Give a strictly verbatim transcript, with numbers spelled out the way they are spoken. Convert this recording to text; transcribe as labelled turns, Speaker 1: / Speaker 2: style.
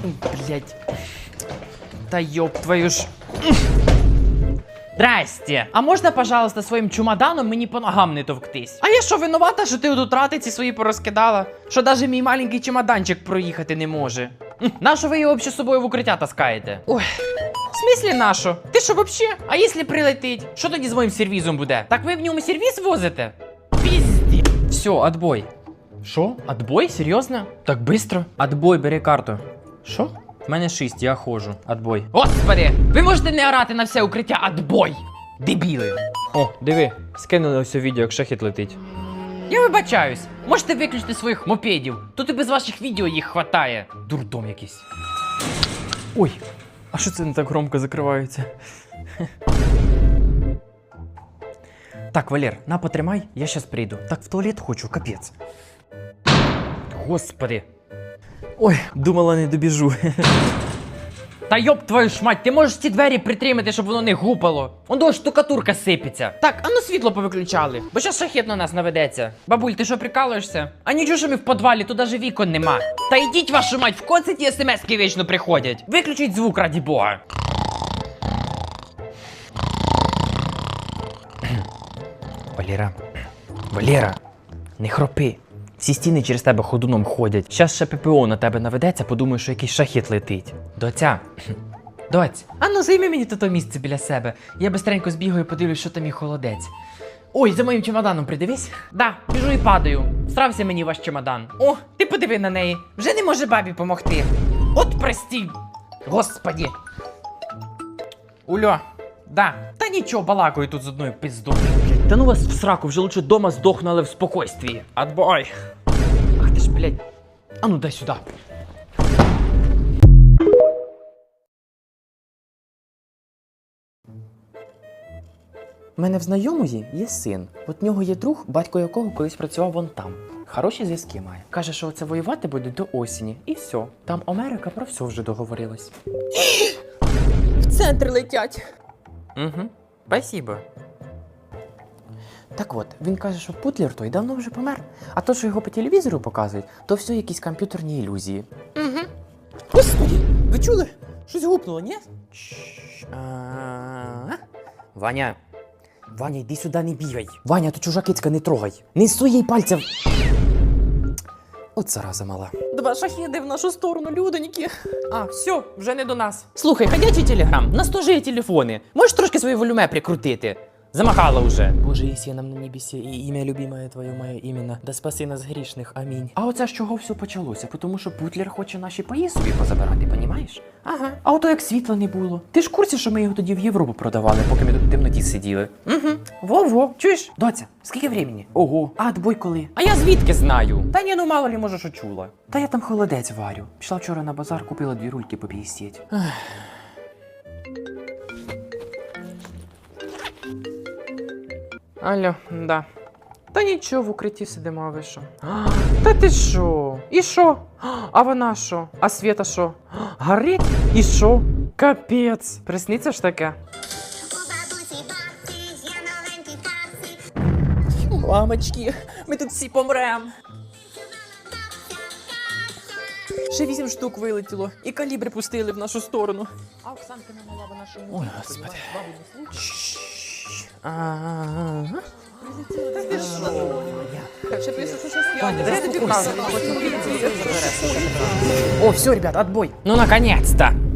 Speaker 1: Блять. Та ёб твою ж. Здрасте. А можна, пожалуйста, своїм чемоданом мені по ногам не товктись? А я що, винувата, що ти тут ратиці свої порозкидала? Що навіть мій маленький чемоданчик проїхати не може? Нащо ви його взагалі з собою в укриття таскаєте? Ой. В смислі нащо? Ти що вообще? А якщо прилетить? Що тоді з моїм сервізом буде? Так ви в ньому сервіз возите? Пізді. Все, отбой. Що? Отбой? Серйозно? Так быстро? Отбой, бери карту. Що? В мене шість, я ходжу. Отбой. Господи! Ви можете не орати на все укриття отбой! Дебіли! О, диви, скинули ось відео, як шахід летить. Я вибачаюсь. Можете виключити своїх мопедів. Тут і без ваших відео їх хватає. Дурдом якийсь. Ой, а що це не так громко закривається? Так, Валер, на, потримай, я щас прийду. Так в туалет хочу, капець. Господи. Ой, думала, не добіжу. Та йоб твою ж мать, ти можеш ці двері притримати, щоб воно не гупало. Он до штукатурка сипеться. Так, а ну світло повиключали, бо щас шахет на нас наведеться. Бабуль, ти що, прикалуєшся? А нічого, що ми в підвалі, тут даже вікон нема. Та йдіть, вашу мать, в конці ті смски вічно приходять. Виключіть звук, раді Бога. Валера, Валера, не хропи. Всі стіни через тебе ходуном ходять. Щас ще ППО на тебе наведеться, подумаю, що якийсь шахет летить. Доця. Доць. А ну займи мені то місце біля себе. Я бистренько збігаю і подивлюсь, що там і холодець. Ой, за моїм чемоданом придивись. Да, біжу і падаю. Стрався мені ваш чемодан. О, ти подиви на неї. Вже не може бабі помогти. От прості. Господі. Ульо. Да. Та нічого, балакаю тут з одною пиздою. Та ну вас в сраку, вже лучше дома здохну, але в спокойствії. Отбой. Ах ти ж, блядь. А ну дай сюди. У мене в знайомої є син. От в нього є друг, батько якого колись працював вон там. Хороші зв'язки має. Каже, що оце воювати буде до осені. І все. Там Америка про все вже договорилась.
Speaker 2: В центр летять.
Speaker 1: Угу. Спасибо. Так от, він каже, що Путлер той давно вже помер. А то, що його по телевізору показують, то все якісь комп'ютерні ілюзії.
Speaker 2: Угу. Господи, ви чули? Щось гупнуло, ні?
Speaker 1: А-а-а. Ваня, Ваня, йди сюди, не бігай. Ваня, то чужа кицька, не трогай. Не суй їй пальця. От зараза мала.
Speaker 2: Два шахіди в нашу сторону, людоньки.
Speaker 1: А, все, вже не до нас. Слухай, ходячий телеграм, нас теж є телефони. Можеш трошки своє волюме прикрутити? Замахала уже. Боже, єсі нам на небесі, і ім'я любимое твоє моє іменно. Да спаси нас грішних, амінь. А оце з чого все почалося? Тому що Путлер хоче наші паї собі позабирати, понімаєш? Ага. А ото як світла не було. Ти ж в курсі, що ми його тоді в Європу продавали, поки ми тут в темноті сиділи? Угу. Во-во. Чуєш? Доця, скільки времени? Ого. А отбой коли? А я звідки знаю? Та ні, ну мало ли, може, що чула. Та я там холодець варю. Пішла вчора на базар, купила дві рульки по п'ятдесят. Алло, да. Та нічого, в укритті сидимо, а ви що? Та ти що? І що? А вона що? А Света що? Горить? І що? Капець. Присниться ж таке?
Speaker 2: Мамочки, ми тут всі помрем. Ще вісім штук вилетіло, і калібри пустили в нашу сторону.
Speaker 1: А Оксанка не мала, вона що не... Ой, господи. Ага.
Speaker 2: Ще пише, що щось я.
Speaker 1: О, все, ребят, отбой. Ну, наконец-то.